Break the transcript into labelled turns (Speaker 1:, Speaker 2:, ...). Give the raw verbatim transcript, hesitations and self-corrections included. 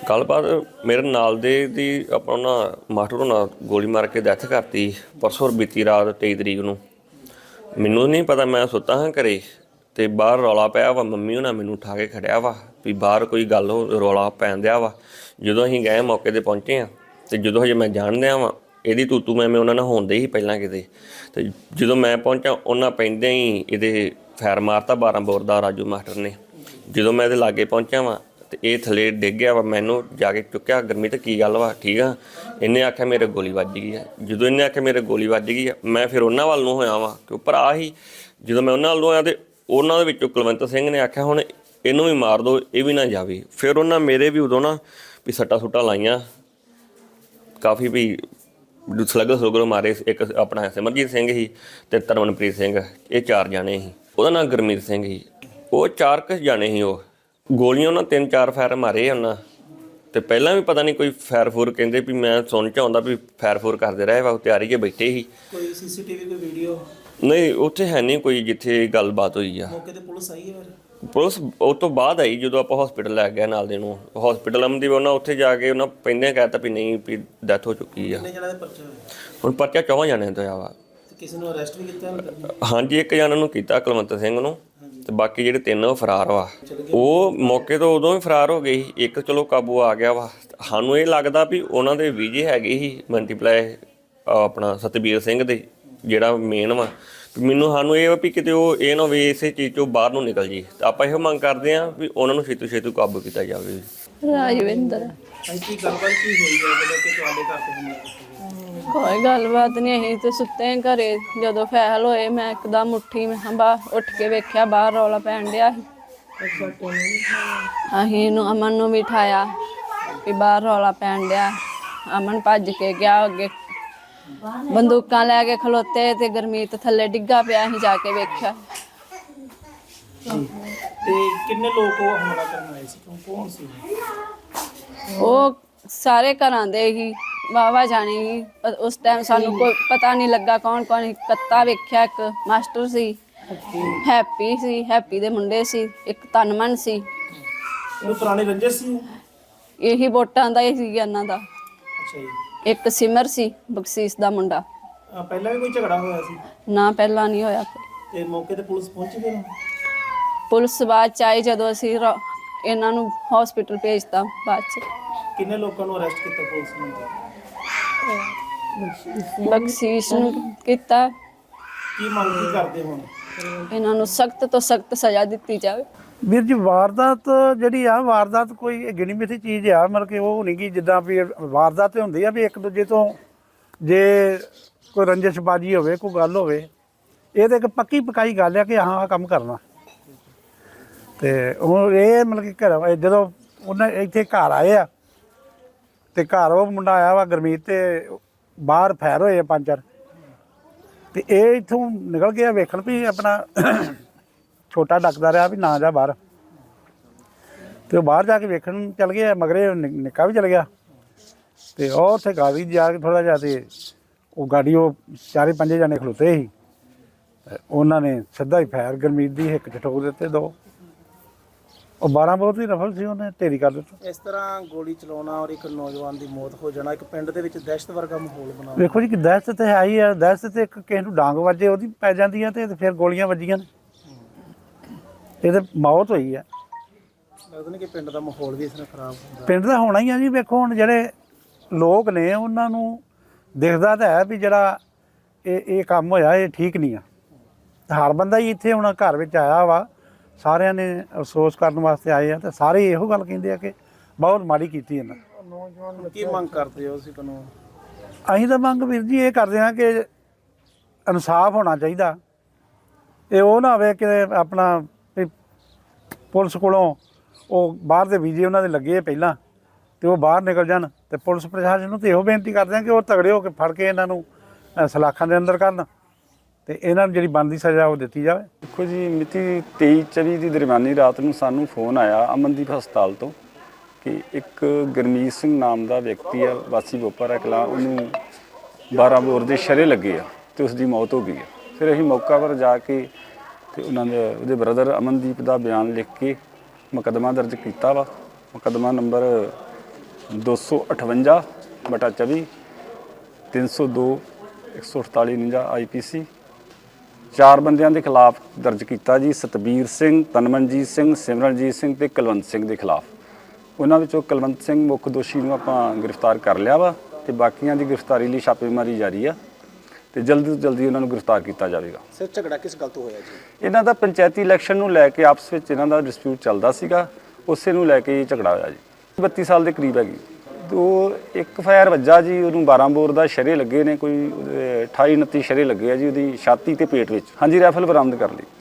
Speaker 1: ਗੱਲਬਾਤ ਮੇਰੇ ਨਾਲ ਦੇ ਦੀ ਆਪਾਂ ਨਾ ਮਾਸਟਰ ਹੋਣਾ ਗੋਲੀ ਮਾਰ ਕੇ ਡੈਥ ਕਰਤੀ ਪਰਸੋਂ ਬੀਤੀ ਰਾਤ ਤੇਈ ਤਰੀਕ ਨੂੰ। ਮੈਨੂੰ ਨਹੀਂ ਪਤਾ, ਮੈਂ ਸੁੱਤਾ ਹਾਂ ਘਰੇ ਅਤੇ ਬਾਹਰ ਰੌਲਾ ਪਿਆ ਵਾ। ਮੰਮੀ ਹੋਣਾ ਮੈਨੂੰ ਉਠਾ ਕੇ ਖੜਿਆ ਵਾ ਵੀ ਬਾਹਰ ਕੋਈ ਗੱਲ ਹੋ ਰੌਲਾ ਪੈਣ ਦਿਆ ਵਾ। ਜਦੋਂ ਅਸੀਂ ਗਏ ਮੌਕੇ 'ਤੇ ਪਹੁੰਚੇ ਹਾਂ ਅਤੇ ਜਦੋਂ ਹਜੇ ਮੈਂ ਜਾਣ ਦਿਆਂ ਵਾਂ ਇਹਦੀ ਤੂੰ ਤੂੰ ਮੈਂ ਮੈਂ ਉਹਨਾਂ ਨਾਲ ਹੋਣਦੇ ਸੀ ਪਹਿਲਾਂ ਕਿਤੇ। ਅਤੇ ਜਦੋਂ ਮੈਂ ਪਹੁੰਚਾ ਉਹਨਾਂ ਪੈਂਦਿਆਂ ਹੀ ਇਹਦੇ ਫੈਰ ਮਾਰਤਾ ਬਾਰਾਂ ਬੋਰ ਦਾ ਰਾਜੂ ਮਾਸਟਰ ਨੇ। ਜਦੋਂ ਮੈਂ ਇਹਦੇ ਲਾਗੇ ਪਹੁੰਚਿਆ ਵਾਂ ਅਤੇ ਇਹ ਥੱਲੇ ਡਿੱਗ ਗਿਆ ਵਾ। ਮੈਨੂੰ ਜਾ ਕੇ ਚੁੱਕਿਆ, ਗੁਰਮੀਤ ਕੀ ਗੱਲ ਵਾ ਠੀਕ ਆ? ਇਹਨੇ ਆਖਿਆ ਮੇਰੇ ਗੋਲੀ ਵੱਜ ਗਈ ਆ। ਜਦੋਂ ਇਹਨੇ ਆਖਿਆ ਮੇਰੇ ਗੋਲੀ ਵੱਜ ਗਈ ਆ ਮੈਂ ਫਿਰ ਉਹਨਾਂ ਵੱਲ ਨੂੰ ਹੋਇਆ ਵਾਂ ਕਿ ਭਰਾ ਹੀ। ਜਦੋਂ ਮੈਂ ਉਹਨਾਂ ਵੱਲ ਨੂੰ ਹੋਇਆ ਅਤੇ ਉਹਨਾਂ ਦੇ ਵਿੱਚੋਂ ਕੁਲਵੰਤ ਸਿੰਘ ਨੇ ਆਖਿਆ ਹੁਣ ਇਹਨੂੰ ਵੀ ਮਾਰ ਦਿਓ, ਇਹ ਵੀ ਨਾ ਜਾਵੇ। ਫਿਰ ਉਹਨਾਂ ਮੇਰੇ ਵੀ ਉਦੋਂ ਨਾ ਵੀ ਸੱਟਾਂ ਸੁੱਟਾਂ ਲਾਈਆਂ ਕਾਫੀ, ਵੀ ਸਲੱਗਰ ਸਲੂਗਰ ਮਾਰੇ। ਇੱਕ ਆਪਣਾ ਸਿਮਰਜੀਤ ਸਿੰਘ ਸੀ ਅਤੇ ਤਰਮਨਪ੍ਰੀਤ ਸਿੰਘ, ਇਹ ਚਾਰ ਜਾਣੇ ਸੀ। ਉਹਦਾ ਨਾਂ ਗੁਰਮੀਤ ਸਿੰਘ ਸੀ। ਉਹ ਚਾਰ ਕੁ ਜਾਣੇ ਸੀ। ਉਹ ਗੋਲੀਆਂ ਉਹਨਾਂ ਤਿੰਨ ਚਾਰ ਫਾਇਰ ਮਾਰੇ ਉਹਨਾਂ। ਅਤੇ ਪਹਿਲਾਂ ਵੀ ਪਤਾ ਨਹੀਂ ਕੋਈ ਫਾਇਰ ਫੂਰ ਕਹਿੰਦੇ ਵੀ ਮੈਂ ਸੁਣ 'ਚ ਆਉਂਦਾ ਵੀ ਫਾਇਰ ਫੂਰ ਕਰਦੇ ਰਹੇ ਵਾ, ਤਿਆਰੀ 'ਚ ਬੈਠੇ ਸੀ।
Speaker 2: ਕੋਈ ਸੀ ਸੀ ਟੀ ਵੀ ਕੋਈ ਵੀਡੀਓ
Speaker 1: ਨਹੀਂ ਉੱਥੇ ਹੈ ਨਹੀਂ ਕੋਈ ਜਿੱਥੇ ਗੱਲਬਾਤ ਹੋਈ ਆ।
Speaker 2: ਮੌਕੇ ਤੇ ਪੁਲਿਸ ਆਈ ਹੈ?
Speaker 1: ਪੁਲਿਸ ਉਹ ਤੋਂ ਬਾਅਦ ਆਈ ਜਦੋਂ ਆਪਾਂ ਹੌਸਪੀਟਲ ਲੈ ਗਏ ਨਾਲ ਦੇ ਨੂੰ। ਹੌਸਪੀਟਲ ਅਮਨਦੀਪ ਉਹਨਾਂ ਉੱਥੇ ਜਾ ਕੇ ਉਹਨਾਂ ਪਹਿਲਾਂ ਕਹਿ ਦਿੱਤਾ ਵੀ ਨਹੀਂ ਵੀ ਡੈਥ ਹੋ ਚੁੱਕੀ ਆ।
Speaker 2: ਕਿੰਨੇ ਜਣਾਂ ਦਾ ਪਰਚਾ ਹੋਇਆ?
Speaker 1: ਹੁਣ ਪਰਚਾ ਚੌਹਾਂ ਜਾਣਿਆਂ ਤੋਂ ਆ ਵਾ।
Speaker 2: ਕਿਸੇ ਨੂੰ ਅਰੈਸਟ ਵੀ ਕੀਤਾ?
Speaker 1: ਹਾਂਜੀ, ਇੱਕ ਜਣਾ ਨੂੰ ਕੀਤਾ ਕੁਲਵੰਤ ਸਿੰਘ ਨੂੰ, ਅਤੇ ਬਾਕੀ ਜਿਹੜੇ ਤਿੰਨ ਉਹ ਫਰਾਰ ਵਾ। ਉਹ ਮੌਕੇ ਤੋਂ ਉਦੋਂ ਹੀ ਫਰਾਰ ਹੋ ਗਏ ਸੀ। ਇੱਕ ਚਲੋ ਕਾਬੂ ਆ ਗਿਆ ਵਾ। ਸਾਨੂੰ ਇਹ ਲੱਗਦਾ ਵੀ ਉਹਨਾਂ ਦੇ ਵੀਜੇ ਹੈਗੇ ਸੀ ਮਲਟੀਪਲਾਈ ਆਪਣਾ ਸਤਬੀਰ ਸਿੰਘ ਦੇ, ਜਿਹੜਾ ਮੇਨ ਵਾ। ਮੈਨੂੰ ਸਾਨੂੰ ਇਹ ਵਾ ਵੀ ਕਿਤੇ ਉਹ ਇਹ ਨਾ ਹੋਵੇ ਇਸੇ ਚੀਜ਼ 'ਚੋਂ ਬਾਹਰ ਨੂੰ ਨਿਕਲ ਜੀ। ਤਾਂ ਆਪਾਂ ਇਹੋ ਮੰਗ ਕਰਦੇ ਹਾਂ ਵੀ ਉਹਨਾਂ ਨੂੰ ਛੇਤੀ ਛੇਤੀ ਕਾਬੂ ਕੀਤਾ ਜਾਵੇ।
Speaker 3: ਰਾਜਵਿੰਦਰ
Speaker 2: ਕੀ ਗੱਲਬਾਤ ਕੀ ਹੋਈ ਹੈ ਜਦੋਂ ਕਿ ਤੁਹਾਡੇ ਘਰ ਤੇ ਹਮਲਾ ਕੀਤਾ?
Speaker 3: ਕੋਈ ਗੱਲਬਾਤ ਨਹੀਂ, ਅਸੀਂ ਤੇ ਸੁੱਤੇ ਹਾਂ ਘਰੇ। ਜਦੋਂ ਫੈਲ ਹੋਏ ਮੈਂ ਇੱਕਦਮ ਉੱਠੀ, ਮੈਂ ਬਾਹਰ ਉੱਠ ਕੇ ਵੇਖਿਆ ਬਾਹਰ ਰੌਲਾ ਪੈਣ ਡਿਆ ਸੀ। ਅਸੀਂ ਨੂੰ ਅਮਨ ਨੂੰ ਵੀ ਉਠਾਇਆ ਵੀ ਬਾਹਰ ਰੌਲਾ ਪੈਣ ਡਿਆ। ਅਮਨ ਭੱਜ ਕੇ ਗਿਆ ਅੱਗੇ, ਬੰਦੂਕਾਂ ਲੈ ਕੇ ਖਲੋਤੇ ਤੇ ਗੁਰਮੀਤ ਥੱਲੇ ਡਿੱਗਾ ਪਿਆ। ਅਸੀਂ ਜਾ ਕੇ ਵੇਖਿਆ।
Speaker 2: ਤੇ ਕਿੰਨੇ ਲੋਕ ਉਹ ਹਮਲਾ ਕਰਨ ਆਏ ਸੀ? ਕੌਣ ਸੀ
Speaker 3: ਉਹ? ਸਾਰੇ ਘਰਾਂ ਦੇ ਹੀ ਵਾਹਵਾ ਜਾਣੀ ਸੀ। ਉਸ ਟਾਈਮ ਸਾਨੂੰ ਕੋਈ ਪਤਾ ਨਹੀਂ ਲੱਗਾ ਕੌਣ ਕੌਣ। ਕੱਤਾ ਵੇਖਿਆ, ਇੱਕ ਮਾਸਟਰ ਸੀ, ਹੈਪੀ ਸੀ, ਹੈਪੀ ਦੇ ਮੁੰਡੇ ਸੀ, ਇੱਕ ਤਨਮਨ ਸੀ।
Speaker 2: ਉਹ ਪੁਰਾਣੇ ਰੰਜਿਸ਼ ਸੀ?
Speaker 3: ਇਹੀ ਵੋਟਾਂ ਦਾ ਹੀ ਸੀ ਇਹਨਾਂ ਦਾ।
Speaker 2: ਅੱਛਾ ਜੀ।
Speaker 3: ਇੱਕ ਸਿਮਰ ਸੀ ਬਖਸ਼ੀਸ਼ ਦਾ ਮੁੰਡਾ।
Speaker 2: ਆ ਪਹਿਲਾਂ ਵੀ ਕੋਈ ਝਗੜਾ ਹੋਇਆ ਸੀ?
Speaker 3: ਨਾ ਪਹਿਲਾਂ ਨਹੀਂ ਹੋਇਆ।
Speaker 2: ਤੇ ਮੌਕੇ ਤੇ ਪੁਲਿਸ ਪਹੁੰਚ ਗਈ?
Speaker 3: ਪੁਲਿਸ ਬਾਅਦ ਚ ਆਈ ਜਦੋਂ ਅਸੀਂ ਰ- ਇਹਨਾਂ ਨੂੰ ਹਸਪੀਟਲ ਭੇਜਤਾ। ਬਾਅਦ ਚ
Speaker 2: ਕਿੰਨੇ ਲੋਕਾਂ ਨੂੰ ਅਰੈਸਟ ਕੀਤਾ ਪੁਲਿਸ ਨੇ?
Speaker 3: ਬਖਸ਼ੀਸ਼ ਨੂੰ ਕੀਤਾ।
Speaker 2: ਕੀ ਮੰਗ ਕੀ ਕਰਦੇ ਹੁਣ?
Speaker 3: ਇਹਨਾਂ ਨੂੰ ਸਖਤ ਤੋਂ ਸਖਤ ਸਜ਼ਾ ਦਿੱਤੀ ਜਾਵੇ।
Speaker 4: ਵੀਰ ਜੀ, ਵਾਰਦਾਤ ਜਿਹੜੀ ਆ ਵਾਰਦਾਤ ਕੋਈ ਗਿਣੀ ਮਿਥੀ ਚੀਜ਼ ਆ। ਮਤਲਬ ਕਿ ਉਹ ਨਹੀਂ ਕਿ ਜਿੱਦਾਂ ਵੀ ਵਾਰਦਾਤ ਹੁੰਦੀ ਆ ਵੀ ਇੱਕ ਦੂਜੇ ਤੋਂ ਜੇ ਕੋਈ ਰੰਜਿਸ਼ਬਾਜੀ ਹੋਵੇ, ਕੋਈ ਗੱਲ ਹੋਵੇ, ਇਹ ਤਾਂ ਇੱਕ ਪੱਕੀ ਪਕਾਈ ਗੱਲ ਆ ਕਿ ਹਾਂ ਆਹ ਕੰਮ ਕਰਨਾ। ਅਤੇ ਹੁਣ ਇਹ ਮਤਲਬ ਕਿ ਘਰ ਜਦੋਂ ਉਹਨਾਂ ਇੱਥੇ ਘਰ ਆਏ ਆ ਅਤੇ ਘਰ ਉਹ ਮੁੰਡਾ ਆਇਆ ਵਾ ਗੁਰਮੀਤ, ਅਤੇ ਬਾਹਰ ਫੈਰ ਹੋਏ ਆ ਪੰਜ ਚਾਰ। ਅਤੇ ਇਹ ਇੱਥੋਂ ਨਿਕਲ ਗਿਆ ਵੇਖਣ ਵੀ ਆਪਣਾ ਛੋਟਾ ਡੱਕਦਾ ਰਿਹਾ ਵੀ ਨਾ ਜਾ ਬਾਹਰ। ਅਤੇ ਉਹ ਬਾਹਰ ਜਾ ਕੇ ਵੇਖਣ ਚੱਲ ਗਏ, ਮਗਰੇ ਨਿ ਨਿੱਕਾ ਵੀ ਚਲ ਗਿਆ। ਅਤੇ ਉਹ ਉੱਥੇ ਗਾੜੀ ਜਾ ਕੇ ਥੋੜ੍ਹਾ ਜਿਹਾ, ਅਤੇ ਉਹ ਗਾੜੀ ਉਹ ਚਾਰੇ ਪੰਜੇ ਜਾਣੇ ਖਲੋਤੇ ਸੀ। ਉਹਨਾਂ ਨੇ ਸਿੱਧਾ ਹੀ ਫੈਰ ਗੁਰਮੀਤ ਦੀ ਹਿੱਕ 'ਚ ਠੋਕ ਦਿੱਤੇ ਦੋ। ਉਹ ਬਾਰਾਂ ਬਹੁਤ ਹੀ ਰਫਲ ਸੀ, ਉਹਨੇ ਢੇਰੀ ਕਰ ਦਿੱਤਾ।
Speaker 2: ਇਸ ਤਰ੍ਹਾਂ ਗੋਲੀ ਚਲਾਉਣਾ ਔਰ ਇੱਕ ਨੌਜਵਾਨ ਦੀ ਮੌਤ ਹੋ ਜਾਣਾ, ਇੱਕ ਪਿੰਡ ਦੇ ਵਿੱਚ ਦਹਿਸ਼ਤ ਵਰਗਾ ਮਾਹੌਲ ਬਣਾ।
Speaker 4: ਵੇਖੋ ਜੀ ਕਿ ਦਹਿਸ਼ਤ ਤਾਂ ਹੈ ਹੀ ਆ। ਦਹਿਸ਼ਤ ਤੇ ਇੱਕ ਕਿਸੇ ਨੂੰ ਡਾਂਗ ਵੱਜੇ ਉਹਦੀ ਪੈ ਜਾਂਦੀ ਆ, ਅਤੇ ਫਿਰ ਗੋਲੀਆਂ ਵੱਜੀਆਂ ਨੇ, ਇਹ ਤਾਂ ਮੌਤ ਹੋਈ ਆ।
Speaker 2: ਲੱਗਦਾ ਨਹੀਂ ਕਿ ਪਿੰਡ ਦਾ ਮਾਹੌਲ ਵੀ ਇਸ ਨਾਲ ਖਰਾਬ ਹੁੰਦਾ?
Speaker 4: ਪਿੰਡ ਦਾ ਹੋਣਾ ਹੀ ਆ ਜੀ। ਵੇਖੋ ਹੁਣ ਜਿਹੜੇ ਲੋਕ ਨੇ ਉਹਨਾਂ ਨੂੰ ਦਿਖਦਾ ਤਾਂ ਹੈ ਵੀ ਜਿਹੜਾ ਇਹ ਇਹ ਕੰਮ ਹੋਇਆ ਇਹ ਠੀਕ ਨਹੀਂ ਆ। ਹਰ ਬੰਦਾ ਹੀ ਇੱਥੇ ਹੁਣ ਘਰ ਵਿੱਚ ਆਇਆ ਵਾ, ਸਾਰਿਆਂ ਨੇ ਅਫਸੋਸ ਕਰਨ ਵਾਸਤੇ ਆਏ ਆ, ਅਤੇ ਸਾਰੇ ਇਹੋ ਗੱਲ ਕਹਿੰਦੇ ਆ ਕਿ ਬਹੁਤ ਮਾੜੀ ਕੀਤੀ ਇਹਨਾਂ।
Speaker 2: ਕੀ ਮੰਗ ਕਰਦੇ ਹੋ ਤੁਸੀਂ ਕਾਨੂੰਨ?
Speaker 4: ਅਸੀਂ ਤਾਂ ਮੰਗ ਵੀਰ ਜੀ ਇਹ ਕਰਦੇ ਹਾਂ ਕਿ ਇਨਸਾਫ ਹੋਣਾ ਚਾਹੀਦਾ। ਇਹ ਉਹ ਨਾ ਹੋਵੇ ਕਿ ਆਪਣਾ ਵੀ ਪੁਲਿਸ ਕੋਲੋਂ ਉਹ ਬਾਹਰ ਦੇ ਵੀਜ਼ੇ ਉਹਨਾਂ ਦੇ ਲੱਗੇ ਪਹਿਲਾਂ, ਅਤੇ ਉਹ ਬਾਹਰ ਨਿਕਲ ਜਾਣ। ਅਤੇ ਪੁਲਿਸ ਪ੍ਰਸ਼ਾਸਨ ਨੂੰ ਤਾਂ ਇਹੋ ਬੇਨਤੀ ਕਰਦੇ ਹਾਂ ਕਿ ਉਹ ਤਗੜੇ ਹੋ ਕੇ ਫੜ ਕੇ ਇਹਨਾਂ ਨੂੰ ਸਲਾਖਾਂ ਦੇ ਅੰਦਰ ਕਰਨ, ਅਤੇ ਇਹਨਾਂ ਨੂੰ ਜਿਹੜੀ ਬਣਦੀ ਸਜ਼ਾ ਉਹ ਦਿੱਤੀ ਜਾਵੇ।
Speaker 5: ਦੇਖੋ ਜੀ, ਮਿਤੀ ਤੇਈ ਚੌਵੀ ਦੀ ਦਰਮਿਆਨੀ ਰਾਤ ਨੂੰ ਸਾਨੂੰ ਫੋਨ ਆਇਆ ਅਮਨਦੀਪ ਹਸਪਤਾਲ ਤੋਂ ਕਿ ਇੱਕ ਗੁਰਮੀਤ ਸਿੰਘ ਨਾਮ ਦਾ ਵਿਅਕਤੀ ਆ, ਵਾਸੀ ਬੋਪਾਰਾ ਕਲਾਂ, ਉਹਨੂੰ ਬਾਰਾਂ ਬੋਰ ਦੇ ਸ਼ਰੇ ਲੱਗੇ ਆ ਅਤੇ ਉਸ ਦੀ ਮੌਤ ਹੋ ਗਈ ਆ। ਫਿਰ ਅਸੀਂ ਮੌਕਾ ਪਰ ਜਾ ਕੇ ਅਤੇ ਉਹਨਾਂ ਦੇ ਉਹਦੇ ਬ੍ਰਦਰ ਅਮਨਦੀਪ ਦਾ ਬਿਆਨ ਲਿਖ ਕੇ ਮੁਕੱਦਮਾ ਦਰਜ ਕੀਤਾ ਵਾ। ਮੁਕੱਦਮਾ ਨੰਬਰ ਦੋ ਸੌ ਅਠਵੰਜਾ ਬਟਾ ਚੌਵੀ ਤਿੰਨ ਸੌ ਦੋ ਇੱਕ ਸੌ ਅਠਤਾਲੀ ਉਣੰਜਾ ਆਈ ਪੀ ਸੀ। ਚਾਰ ਬੰਦਿਆਂ ਦੇ ਖਿਲਾਫ ਦਰਜ ਕੀਤਾ ਜੀ, ਸਤਬੀਰ ਸਿੰਘ, ਤਨਮਨਜੀਤ ਸਿੰਘ, ਸਿਮਰਨਜੀਤ ਸਿੰਘ ਤੇ ਕੁਲਵੰਤ ਸਿੰਘ ਦੇ ਖਿਲਾਫ। ਉਹਨਾਂ ਵਿੱਚੋਂ ਕੁਲਵੰਤ ਸਿੰਘ ਮੁੱਖ ਦੋਸ਼ੀ ਨੂੰ ਆਪਾਂ ਗ੍ਰਿਫਤਾਰ ਕਰ ਲਿਆ ਵਾ ਤੇ ਬਾਕੀਆਂ ਦੀ ਗ੍ਰਿਫਤਾਰੀ ਲਈ ਛਾਪੇਮਾਰੀ ਜਾਰੀ ਆ ਤੇ ਜਲਦੀ ਤੋਂ ਜਲਦੀ ਉਹਨਾਂ ਨੂੰ ਗ੍ਰਿਫਤਾਰ ਕੀਤਾ ਜਾਵੇਗਾ।
Speaker 2: ਸਰ ਝਗੜਾ ਕਿਸ ਗੱਲ ਤੋਂ ਹੋਇਆ ਜੀ?
Speaker 5: ਇਹਨਾਂ ਦਾ ਪੰਚਾਇਤੀ ਇਲੈਕਸ਼ਨ ਨੂੰ ਲੈ ਕੇ ਆਪਸ ਵਿੱਚ ਇਹਨਾਂ ਦਾ ਡਿਸਪਿਊਟ ਚੱਲਦਾ ਸੀਗਾ, ਉਸੇ ਨੂੰ ਲੈ ਕੇ ਇਹ ਝਗੜਾ ਹੋਇਆ ਜੀ। ਬੱਤੀ ਸਾਲ ਦੇ ਕਰੀਬ ਹੈਗੀ। ਦੋ ਇੱਕ ਫਾਇਰ ਵੱਜਾ ਜੀ, ਉਹਨੂੰ ਬਾਰਾਂ ਬੋਰ ਦਾ ਸ਼ਰੇ ਲੱਗੇ ਨੇ, ਕੋਈ ਅਠਾਈ ਉਨੱਤੀ ਸ਼ਰੇ ਲੱਗੇ ਆ ਜੀ ਉਹਦੀ ਛਾਤੀ ਤੇ ਪੇਟ ਵਿੱਚ। ਹਾਂਜੀ, ਰਾਈਫਲ ਬਰਾਮਦ ਕਰ ਲਈ।